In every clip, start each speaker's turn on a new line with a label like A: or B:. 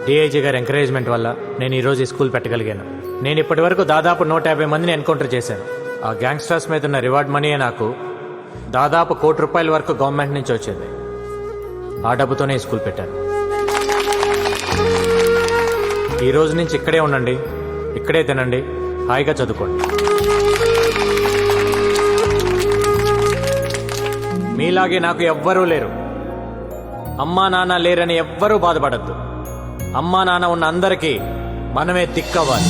A: DIG గారి encouragement వల్ల నేను ఈరోజు ఈ స్కూల్ పెట్టగలిగాను. నేను ఇప్పటి వరకు దాదాపు 150 మందిని ఎన్కౌంటర్ చేశాను. ఆ గ్యాంగ్స్టర్స్ మీద ఉన్న రివార్డ్ మనీయే నాకు దాదాపు ₹1 కోటి వరకు గవర్నమెంట్ నుంచి వచ్చింది. ఆ డబ్బుతోనే ఈ స్కూల్ పెట్టాను. ఈ రోజు నుంచి ఇక్కడే ఉండండి, ఇక్కడే తినండి, హాయిగా చదువుకోండి. మీలాగే నాకు ఎవ్వరూ లేరు. అమ్మా నాన్న లేరని ఎవ్వరూ బాధపడద్దు. అమ్మా నాన్న ఉన్న అందరికీ మనమే దిక్కవ్వాలి.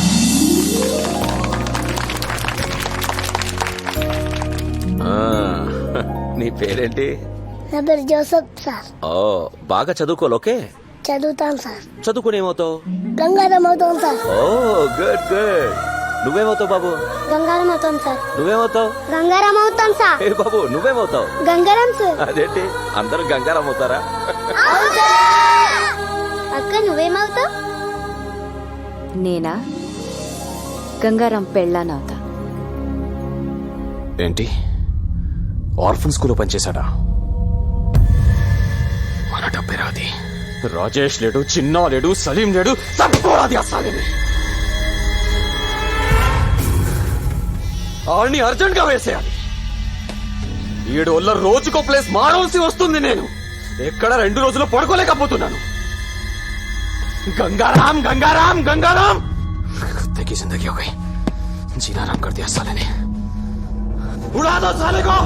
B: నీ పేరేంటి?
C: నా పేరు జోసఫ్ సార్.
B: ఓ, బాగా చదువుకోవాలి. ఓకే,
C: చదువుతాను సార్.
B: చదువుకుని ఏమవుతావు?
C: గంగారం అవుతాం సార్.
B: Oh good good. నువ్వేమవుతావు బాబు?
C: గంగారం అవుతాం సార్.
B: నువ్వేమవుతావు?
C: గంగారం అవుతాం సార్.
B: ఏ బాబు, నువ్వేమవుతావు?
C: గంగారం సార్.
B: అదేంటి అందరూ గంగారం అవుతారా?
C: అక్క నువ్వేమవుతావు?
D: నేనా గంగారాం పెళ్ళానవుతా.
E: ఏంటి, ఆర్ఫన్ స్కూల్లో పనిచేశాడా? మన డబ్బే రాది. రాజేష్ లేడు, చిన్నా లేడు, సలీం లేడు, తప్పుకోరాది ఆ సలీం. ఆడిని అర్జెంట్ గా వేసేయాలి. 7 వల్ల రోజుకో ప్లేస్ మారవలసి వస్తుంది. నేను ఎక్కడ 2 రోజులు పడుకోలేకపోతున్నాను. गंगाराम गंगाराम गंगाराम कुत्ते की जिंदगी हो गई. जीना आराम कर दिया साले ने. उड़ा दो साले को.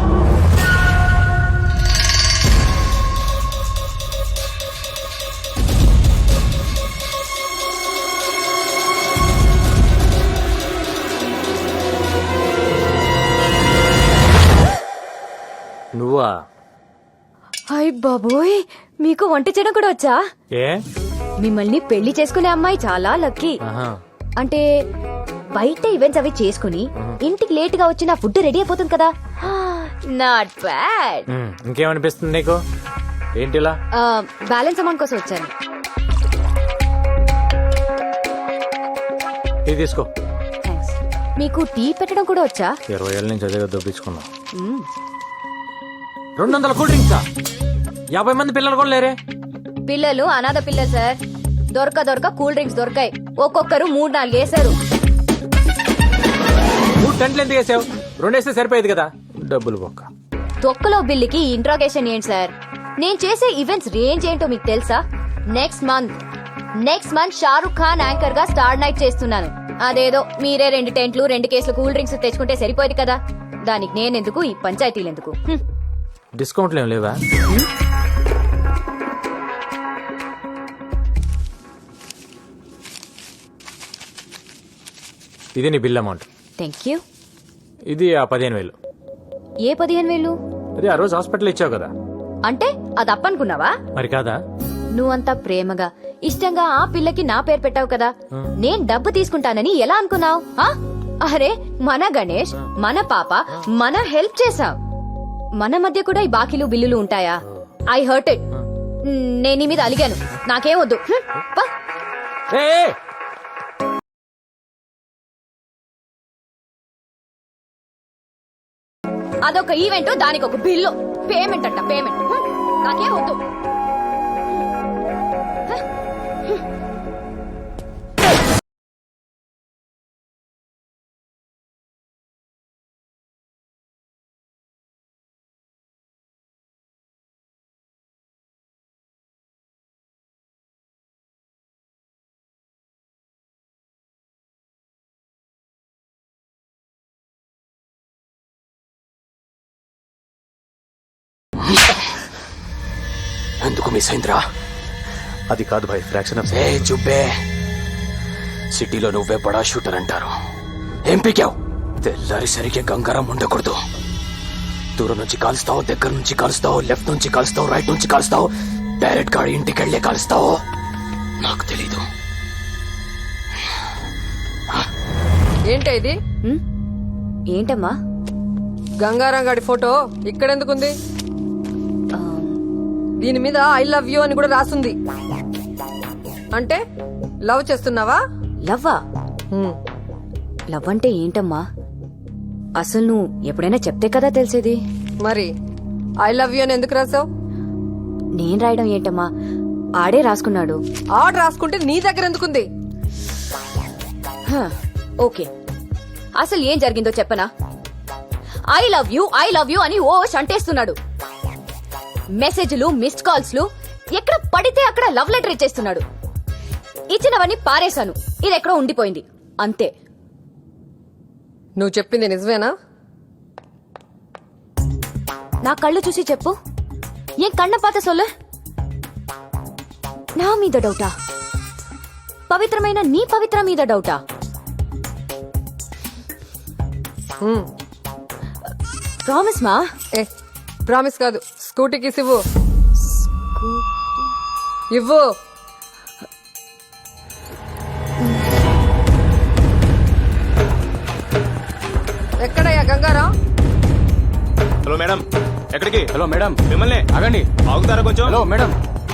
A: నువ్వా?
D: హాయ్ బాబోయ్, మీకు వంట చేయడం కూడా వచ్చా?
A: ఏ
D: మిమ్మల్ని పెళ్లి చేసుకునే అమ్మాయి చాలా లక్కీ.
A: ఆహా.
D: అంటే బయట ఈవెంట్స్ అవి చేసుకుని ఇంటికి లేట్ గా వచ్చి నా ఫుడ్ రెడీ అయిపోతుంది కదా. Not bad.
A: ఇంకేమనిపిస్తుంది నీకు? ఏంటిలా?
D: బ్యాలెన్స్ అమౌంట్ కోసం వచ్చాను.
A: ఇది తీసుకో.
D: థ్యాంక్స్. మీకు టీ పెట్టడం కూడా వచ్చా?
A: 20 ఏళ్ళ నుంచి అదే దొబ్బించుకున్నా. 200 కూల్ డ్రింక్సా? 50 మంది పిల్లలు కూడా లేరే?
D: పిల్లలు అనాథ పిల్లలు సార్. దొరక కూల్ డ్రింక్స్ దొరకాయి. ఒక్కొక్కరు 3-4 వేశారు.
A: 3 టెంట్లు ఎందుకు వేసావు? 2 వేస్తే సరిపోయేది కదా. డబ్బులు బొక్క.
D: తొక్కలో బిల్లుకి ఇంట్రాగేషన్ ఏంటి సార్? నేను చేసే ఈవెంట్స్ రేంజ్ ఏంటో మీకు తెలుసా? Next month Shahrukh Khan anchor గా స్టార్ నైట్ చేస్తున్నాను. అదేదో మీరే 2 టెంట్లు 2 కేసులు కూల్ డ్రింక్స్ తెచ్చుకుంటే సరిపోయేది కదా. దానికి నేనెందుకు, ఈ పంచాయతీలు ఎందుకు?
A: డిస్కౌంట్లు ఏం లేవా? ఇది నీ బిల్ అమౌంట్.
D: Thank you.
A: ఇది ఆ 15,000.
D: ఏ 15,000?
A: అది ఆ రోజు హాస్పిటల్ ఇచ్చావు కదా.
D: అంటే అది అప్పనుకున్నావా?
A: మరి కాదా?
D: నువ్వంతా ప్రేమగా ఇష్టంగా ఆ పిల్లకి నా పేరు పెట్టావు కదా. నేను డబ్బు తీసుకుంటానని ఎలా అనుకున్నావు? అరే, మన గణేష్, మన పాప, మన హెల్ప్ చేసాం. మన మధ్య కూడా ఈ బాకీలు బిల్లులు ఉంటాయా? I hurt it. నేను నీ మీద అలిగాను. నాకేం వద్దు. అదొక ఈవెంట్, దానికి ఒక బిల్లు. పేమెంట్ అంట పేమెంట్. నాకేం వద్దు.
E: ఎందుకు మిస్ అయిందిరా?
A: అది కాదు భాయ్, ఫ్రాక్షన్ ఆఫ్.
E: ఏ చుబ్బే, సిటీలో నువ్వే బడా షూటర్ అంటారు. ఏం పీకావు? తెల్లారిసరికి గంగారం ఉండకూడదు. దూరం నుంచి కాలుస్తావు, దగ్గర నుంచి కాలుస్తావు, లెఫ్ట్ నుంచి కాలుస్తావు, రైట్ నుంచి కాలుస్తావు, డైరెక్ట్ గా ఇంటికి వెళ్లే కాలుస్తావు. నాకు తెలీదు.
F: ఏంటి ఇది?
D: ఏంటమ్మా?
F: గంగారాం గాడి ఫోటో ఇక్కడెందుకుంది? దీని మీద ఐ లవ్ యూ అని కూడా రాసుంది. అంటే లవ్ చేస్తున్నావా?
D: లవ్వా? లవ్ అంటే ఏంటమ్మా? అసలు నువ్వు ఎప్పుడైనా చెప్తే కదా తెలిసేది.
F: మరి ఐ లవ్ యూ అని ఎందుకు రాసావు?
D: నేను రాయడం ఏంటమ్మా? ఆడే రాసుకున్నాడు.
F: ఆర్డర్ రాసుకుంటే నీ దగ్గర ఎందుకుంది?
D: హ, ఓకే, అసలు ఏం జరిగిందో చెప్పనా? ఐ లవ్ యూ అని ఓ అంటేస్తున్నాడు. మెసేజ్లు, మిస్డ్ కాల్స్లు, ఎక్కడ పడితే అక్కడ లవ్ లెటర్ ఇచ్చేస్తున్నాడు. ఇచ్చినవన్నీ పారేశాను, ఇది ఎక్కడో ఉండిపోయింది అంతే.
F: నువ్వు చెప్పింది నిజమేనా?
D: నా కళ్ళు చూసి చెప్పు, ఏం కண்ண పాత సొల్లు? నా మీద డౌటా? పవిత్రమైన నీ పవిత్ర మీద డౌటా? ప్రామిస్ మా?
F: ఏ ప్రామిస్ కాదు, స్కూటీకి ఇవ్వు. ఇవ్వు. ఎక్కడయ్యా గంగారాం?
G: హలో మేడం, ఎక్కడికి?
E: హలో మేడం,
G: మిమ్మల్ని
E: ఆగండి.
G: ఆగుతారా కొంచెం?
E: హలో మేడం,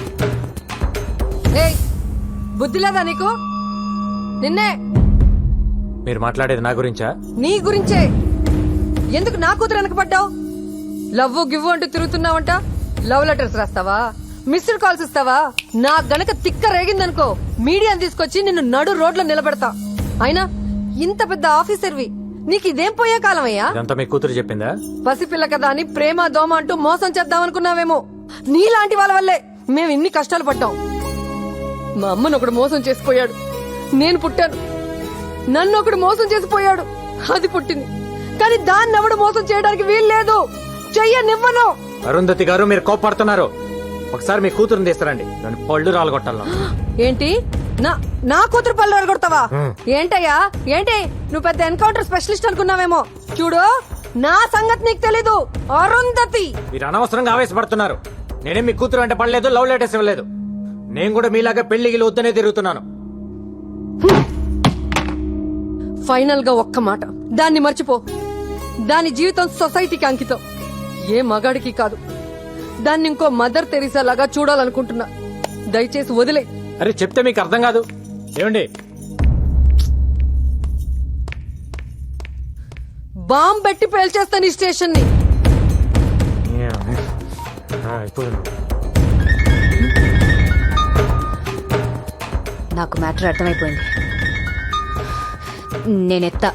F: ఏయ్, బుద్ధి లేదా నీకు? నిన్నే.
A: మీరు మాట్లాడేది నా గురించా?
F: నీ గురించే. ఎందుకు నా కూతురు వెనకపడ్డావు? లవ్వు గివ్వు అంటూ తిరుగుతున్నావంట. లవ్ లెటర్స్ రాస్తావా? మిస్డ్ కాల్స్ ఇస్తావా? నా గనక తిక్క రేగిందనుకో, మీడియాని తీసుకొచ్చి నిన్ను నడు రోడ్లో నిలబెడతా. అయినా ఇంత పెద్ద ఆఫీసర్వి, నీకు ఇదేం పోయే కాలం అయ్యా?
A: ఇదంతా మీ కూతురు చెప్పిందా?
F: పసిపిల్ల కదా అని ప్రేమ దోమ అంటూ మోసం చేద్దామనుకున్నావేమో. నీలాంటి వాళ్ళ వల్లే మేము ఇన్ని కష్టాలు పడ్డాం. మా అమ్మను ఒకడు మోసం చేసిపోయాడు, నేను పుట్టాను. నన్ను ఒకడు మోసం చేసిపోయాడు, అది పుట్టింది. కానీ దాన్ని ఎవడు మోసం చేయడానికి వీలు లేదు. చెయ్యనివ్వను.
A: అరుంధతి గారు, మీరు కోపడుతున్నారు. ఒకసారి మీ కూతురుని తీస్తారండి, దాని పళ్ళు రాలగొట్టాలను.
F: ఏంటి? నా కూతురు పళ్ళు అడగొడతావా? ఏంటయ్యా ఏంటి? నువ్వు పెద్ద ఎన్కౌంటర్ స్పెషలిస్ట్ అనుకున్నావేమో. చూడు, నా సంగతి నీకు తెలీదు. అరుంధతి,
A: మీరు అనవసరంగా ఆవేశపడుతున్నారు. నేనేం మీ కూతురు అంటే పడలేదు, లవ్ లెటర్స్ ఇవ్వలేదు. నేను కూడా మీలాగా పెళ్లికి వద్దనే తిరుగుతున్నాను.
F: ఫైనల్ గా ఒక్క మాట, దాన్ని మర్చిపో. దాని జీవితం సొసైటీకి అంకితం, ఏ మగాడికి కాదు. దాన్ని ఇంకో మదర్ తెరీసా లాగా చూడాలనుకుంటున్నా. దయచేసి వదిలే.
A: అరే చెప్తే మీకు అర్థం కాదు. ఏమండి,
F: బాంబ్ పెట్టి పేల్చేస్తాను ఈ స్టేషన్ ని.
D: నాకు మ్యాటర్ అర్థమైపోయింది. నేనెత్తా.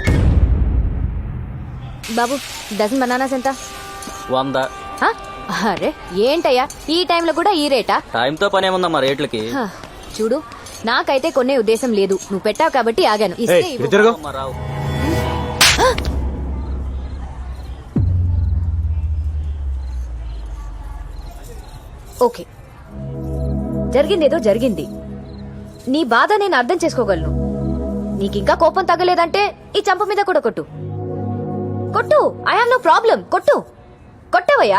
D: బాబు, డజన్ బనానాస్ ఎంత?
H: 100.
D: హ? అరే ఏంటయ్యా, ఈ టైంలో కూడా ఈ రేటా?
H: టైంతో పని ఏముందమ్మా రేట్లకి?
D: హ, చూడు, నాకైతే కొనే ఉద్దేశం లేదు. నువ్వు పెట్టావు కాబట్టి ఆగాను. ఇస్తే
A: ఏయ్,
D: ఇవ్వు.
A: ఇటు తిరుగు.
H: అమ్మా, రావు.
D: ఓకే, జరిగిందేదో జరిగింది. నీ బాధ నేను అర్థం చేసుకోగలను. నీకింకా కోపం తగ్గలేదంటే ఈ చంప మీద కూడా కొట్టు. కొట్టు, ఐ హావ్ నో ప్రాబ్లం. కొట్టు. కొట్టవయ్యా.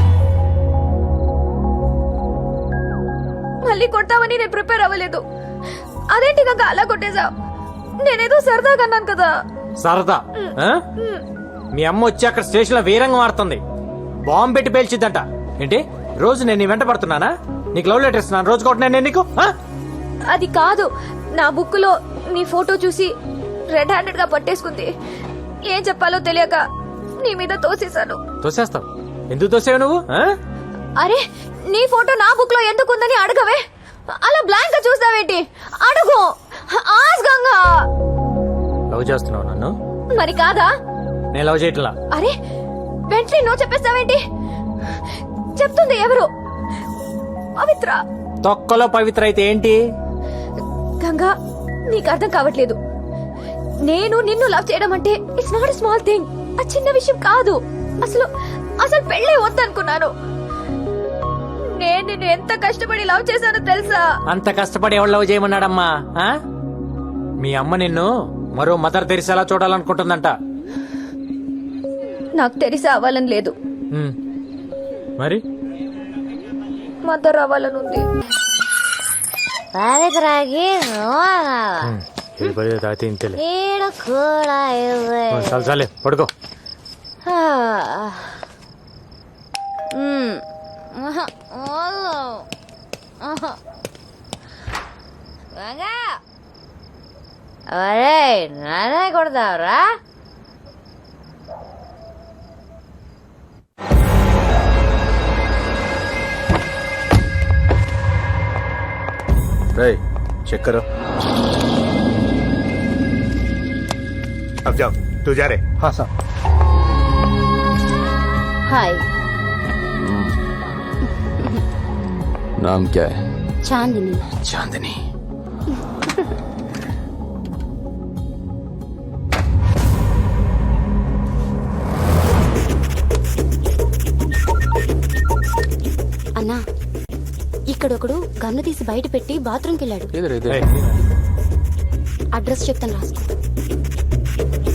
D: మళ్ళీ కొట్టావని నేను ప్రిపేర్ అవ్వలేదు. అదేంటి కనుక అలా కొట్టేశావు? నేనేదో సరదాగా అన్నాను కదా.
A: సరదా? ఆ? మీ అమ్మ వచ్చి అక్కడ స్టేషన్ లో వీరంగం ఆడుతుంది. బాంబు పెట్టి పేల్చిద్దంట. ఏంటి, రోజు నేను నీ వెంట పడుతున్నానా? నీకు లవ్ లెటర్ ఇస్తున్నాను, రోజు కొట్టినా నేను నీకు? ఆ?
D: అది కాదు, నా బుక్ లో నీ ఫోటో చూసి రెడ్ హ్యాండెడ్ గా పట్టేసుకుంది. ఏం చెప్పాలో తెలియక నీ మీద తోసేశాను.
A: తోసేస్తావు? ఎందుకు తోసేవు నువ్వు? ఆ?
D: అరే, నీ ఫోటో నా బుక్ లో ఎందుకుందని అడగవే. అలా బ్లాంక్ గా చూస్తావేంటి? అడుగు. ఆస్గంగా.
A: లవ్ చేస్తున్నావు నన్ను?
D: మరి కాదా?
A: నేను లవ్ చేయట్లా.
D: అరే, వెంటనే నువ్వు చెప్పేస్తావేంటి? చెప్తుంది ఎవరు? పవిత్ర.
A: తొక్కలో పవిత్ర అయితే ఏంటి?
D: గంగా, నీకు అర్థం కావట్లేదు. నేను నిన్ను లవ్ చేయడం అంటే ఇట్స్ నాట్ స్మాల్ థింగ్. ఆ చిన్న విషయం కాదు. అసలు అసలు పెళ్ళే వద్దనుకున్నాను. నేను నిన్ను ఎంత కష్టపడి లవ్ చేశానో తెలుసా?
A: అంత కష్టపడి ఎవరు లవ్ చేయమన్నాడమ్మా? ఆ? మీ అమ్మ నిన్ను మరో మదర్ తెరిసేలా చూడాలనుకుంటుందంట.
D: నాకు తెలిసి అవ్వాలని లేదు,
A: ఉమ్. మరి
D: మదర్ అవ్వాలని ఉంది.
C: పవిత్రకి
A: ఇది పది తాగితే ఇంతేలే.
C: ఈడ కూడా ఇవ్వే.
A: చాలు చాలే, పడుకో.
C: అరే, నానే కొడతావరా?
G: रे चेक करो अब जाओ तू जा रे
A: हाँ సార్
D: హాయ్
E: नाम क्या है?
D: చాందిని
E: चांदनी.
D: అన్నా ఇక్కడొకడు గన్ను తీసి బయట పెట్టి బాత్రూమ్కి వెళ్ళాడు
E: इधर इधर.
D: అడ్రస్ చెప్తాను రాసుకో